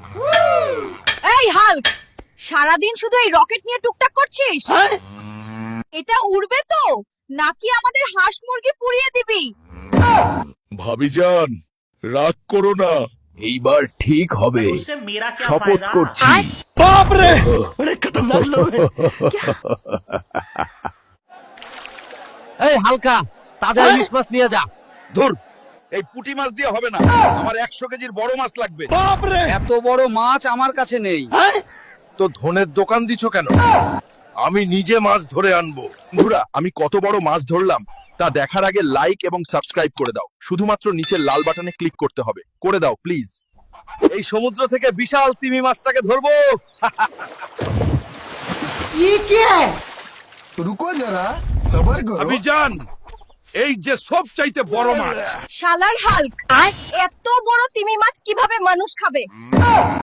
এই হাল্ক, সারাদিন শুধু এই রকেট নিয়ে টুকটাক করছিস? এটা উড়বে তো, নাকি আমাদের হাঁস মুরগি পুড়িয়ে দিবি? ভাবিজান, রাগ করো না, এইবার ঠিক হবে, उससे मेरा क्या শপথ फायदा? করছি। এই হালকা, তাজা ইলিশ মাছ নিয়ে যা। ধুর, এই পুঁটি মাছ দিয়ে হবে না, আমার 100 কেজির বড় মাছ লাগবে। এত বড় মাছ আমার কাছে নেই। তো ধনের দোকান দিছো কেন? আমি নিজে মাছ ধরে আনবো। বন্ধুরা, আমি কত বড় মাছ ধরলাম তা দেখার আগে লাইক এবং সাবস্ক্রাইব করে দাও। শুধুমাত্র নিচের লাল বাটনে ক্লিক করতে হবে, করে দাও প্লিজ। এই সমুদ্র থেকে বিশাল তিমি মাছটাকে ধরবো। रुको जरा सबर करो। ভাবিজান, এই যে সব চাইতে বড় মাছ। শালার হাল্ক, এত বড় তিমি মাছ কিভাবে মানুষ খাবে?